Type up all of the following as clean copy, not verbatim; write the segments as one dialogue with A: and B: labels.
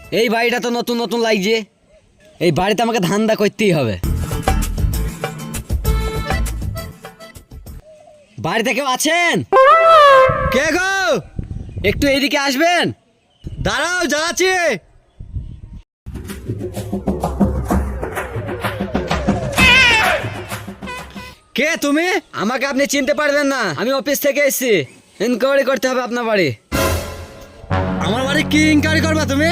A: এই বাড়িটা তো নতুন নতুন লাগছে, এই বাড়িতে আমাকে ধান্দা করতেই হবে। বাড়িতে কেউ আছেন?
B: কে গো?
A: একটু এইদিকে আসবেন।
B: দাঁড়াও, যাচ্ছি। কে তুমি?
A: আমাকে আপনি চিনতে পারবেন না, আমি অফিস থেকে এসেছি। ইনকোয়ারি করতে হবে আপনার বাড়ি।
B: আমার বাড়ি কি ইনকোয়ারি করবা তুমি?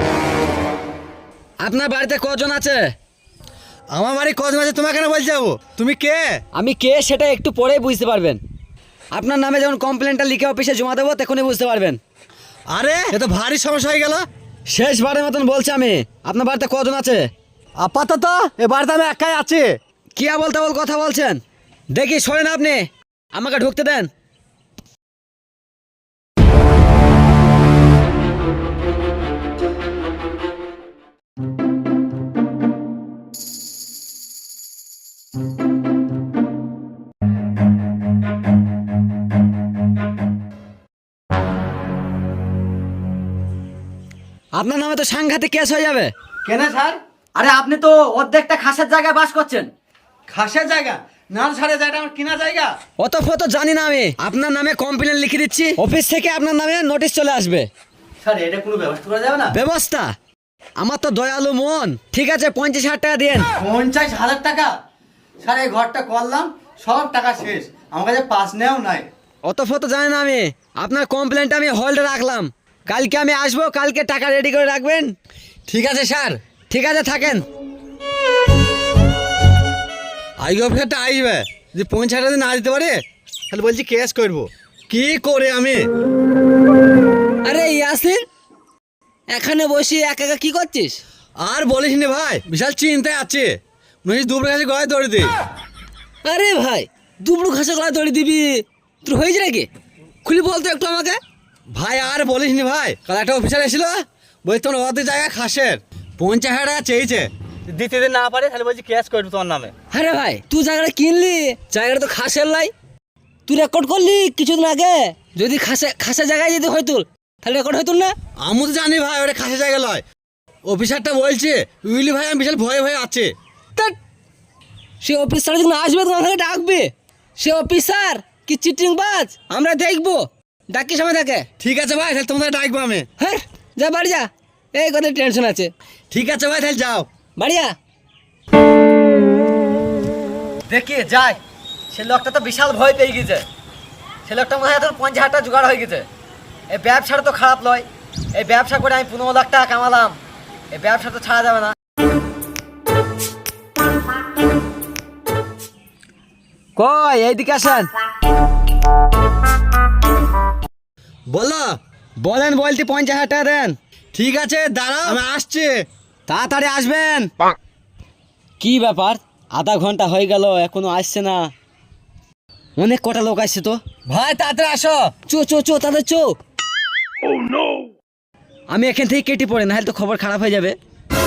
A: আপনার বাড়িতে কজন আছে?
B: আমার বাড়ি কজন আছে তোমাকে কেন বলতে যাবো? তুমি কে?
A: আমি কে সেটা একটু পরেই বুঝতে পারবেন। আপনার নামে যখন কমপ্লেনটা লিখে অফিসে জমা দেবো তখনই বুঝতে পারবেন।
B: আরে এ তো ভারী সমস্যা হয়ে গেল।
A: শেষবারের মতন বলছি আমি, আপনার বাড়িতে কজন আছে?
B: আপাতত এ বাড়িতে আমি একাই আছি।
A: কি বলতে বল কথা বলছেন? দেখি সরেন আপনি, আমাকে ঢুকতে দেন। আপনার নামে তো সাংঘাতিক কেস হয়ে যাবে।
B: কেন স্যার?
A: আরে আপনি তো অর্ধেকটা খাসের জায়গায় বাস করছেন।
B: খাসের জায়গা না স্যার, জায়গাটা আমার কিনা জায়গা।
A: অত ফত জানি না আমি, আপনার নামে কমপ্লেন লিখে দিচ্ছি, অফিস থেকে আপনার নামে নোটিশ চলে আসবে।
B: স্যার এটা কোনো ব্যবস্থা করা যাবে না?
A: ব্যবস্থা? আমার তো দয়ালু মন। ঠিক আছে 50,000 টাকা দেন।
B: 50,000 টাকা? স্যার এই ঘরটা করলাম, সব টাকা শেষ, আমার কাছে পাস নেও নাই।
A: অত ফত জানি না আমি, আপনার কমপ্লেনটা আমি হোল্ডে রাখলাম, কালকে আমি আসবো, কালকে টাকা রেডি করে রাখবেন।
B: ঠিক আছে স্যার।
A: ঠিক আছে থাকেন।
B: আইগো অফিসারটা আসবে, যদি 50,000 টাকা না দিতে পারে তাহলে বলছি কেস করবো। কি করে আমি?
A: আরে ইয়াসিন, এখানে বসে একা একা কি করছিস?
B: আর বলিস নি ভাই, বিশাল চিন্তায় আছে। মনে হচ্ছে দুপুরের কাছে গলায় দৌড়ে দিই।
A: আরে ভাই, দুবড়ু ঘাসে গলা দড়ি দিবি? তোর হয়েছে নাকি? খুলি বলতো একটু আমাকে।
B: ভাই আর বলিস নি ভাই, কাল একটা অফিসার এসেছিল, বলছি তোমার ওদের জায়গায় খাসের 50,000 টাকা চেয়েছে, দিতে দিতে না পারে তাহলে বলছি কেস করবো তোমার নামে।
A: আরে ভাই, তুই জায়গাটা কিনলি, জায়গাটা তো খাসের লাই। তুই রেকর্ড করলি কিছুদিন আগে, যদি খাসের জায়গায় যদি হয়তো তাহলে রেকর্ড হইতো না।
B: আমি তো জানি ভাই ওটা খাসের জায়গা লয়, অফিসারটা বলছে উইলি ভাই আমি বিশাল ভয়ে ভয়ে আছে।
A: ধ্যাৎ, সে অফিসার যখন আসবে তখন আমাকে ডাকবে। সে অফিসার কি চিটিং বাজ আমরা দেখবো, ডাকি সময় থাকে।
B: ঠিক আছে ভাই, তাহলে তোমাদের ডাকবো আমি।
A: হ্যাঁ যা বাড়ি যা, এই কথা টেনশন আছে।
B: ঠিক আছে ভাই, তাহলে যাও।
A: বাড়ি যা।
C: দেখি যাই, সে লোকটা তো বিশাল ভয় পেয়ে গেছে। সে লোকটা মনে হয় তোর 50,000 টাকা জোগাড় হয়ে গেছে। এই ব্যবসাটা তো খারাপ নয়, এই ব্যবসা করে আমি 15 লাখ টাকা কামালাম, এই ব্যবসা তো ছাড়া যাবে না।
A: কই এইদিকে আসেন।
B: বলো।
A: বলেন বলতে 50,000 টাকা দেন।
B: ঠিক আছে দাঁড়াও, আমি আসছি।
A: তাড়াতাড়ি আসবেন। কি ব্যাপার, আধা ঘন্টা হয়ে গেল এখনো আসছে না? অনেক কটা লোক আসছে তো।
B: ভাই তাড়াতাড়ি আসো।
A: চো তাদের চো। আমি এখান থেকে কেটে পড়ে, নাহলে তো খবর খারাপ হয়ে যাবে।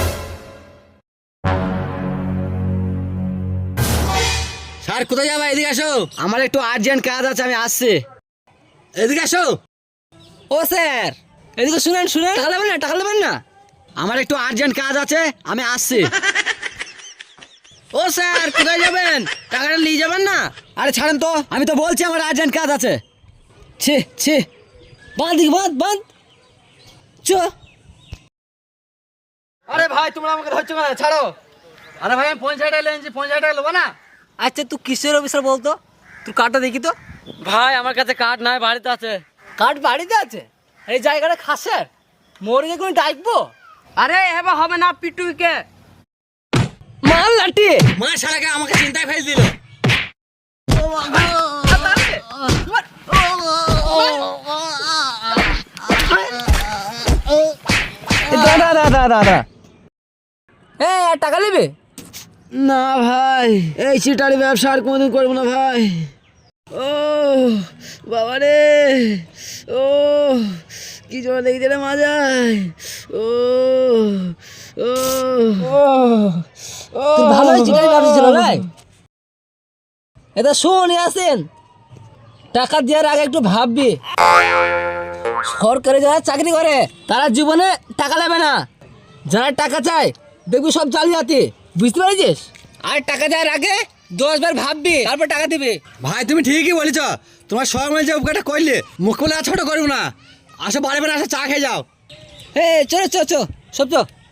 B: স্যার কোথায় যাবা? এদিকে আসো।
A: আমার একটু আর্জেন্ট কাজ আছে, আমি আসছি।
B: এদিকে আসো।
A: ও স্যার, এদিকে শুনেন, টাকা নেবেন না। আমার একটু আর্জেন্ট কাজ আছে, আমি আসছি।
C: ও স্যার কোথায় যাবেন? টাকাটা নিয়ে যাবেন না?
A: আরে ছাড়েন তো, আমি তো বলছি আমার আর্জেন্ট কাজ আছে। ছি বাঁধ চো।
C: আরে ভাই তোমরা আমাকে ধরছো কেন? ছাড়ো। আরে ভাই আমি 50,000 টাকা লেনছি, 50,000 টাকা নেবো না?
A: আচ্ছা তুই কিসের অফিসার বলতো? তুই কার্ডটা দেখি তো।
C: ভাই আমার কাছে কার্ড নাই, বাড়িতে আছে।
A: কার্ড বাড়িতে আছে? এই জায়গাটা খাসের, মরে কোনো ডাকবো?
C: আরে এবার হবে না, পিটুইকে
A: মাল লাঠি।
B: মা শালাকে আমাকে চিন্তায় ফেল দিল।
A: দাদা টাকা নেবে না ভাই, এই চিটারি ব্যবসা আর কোনোদিন করবো না ভাই। ও বাবা রে, ও কি জন্য দেখতে রে মাজায়। ও ও ও ভালো চিটারি ব্যবসা ছিল নাই? এটা শোন আসেন, টাকা দেওয়ার আগে একটু ভাববি। সরকারি যারা চাকরি করে তারা জীবনে টাকা নেবে না, যারা টাকা চায় দেখবি সব জালিয়াতি, বুঝতে পেরেছিস? আর টাকা দেওয়ার আগে 10 বার ভাববি তারপর টাকা দিবি।
B: ভাই তুমি ঠিকই বলেছ, তোমার সব মিলে যে উপকারটা করলে মুখ বলে আর ছোট করবো না। আসো বাড়ি বাড়ি আসো, চা খেয়ে যাও।
A: হে চলো চো চো সব চো।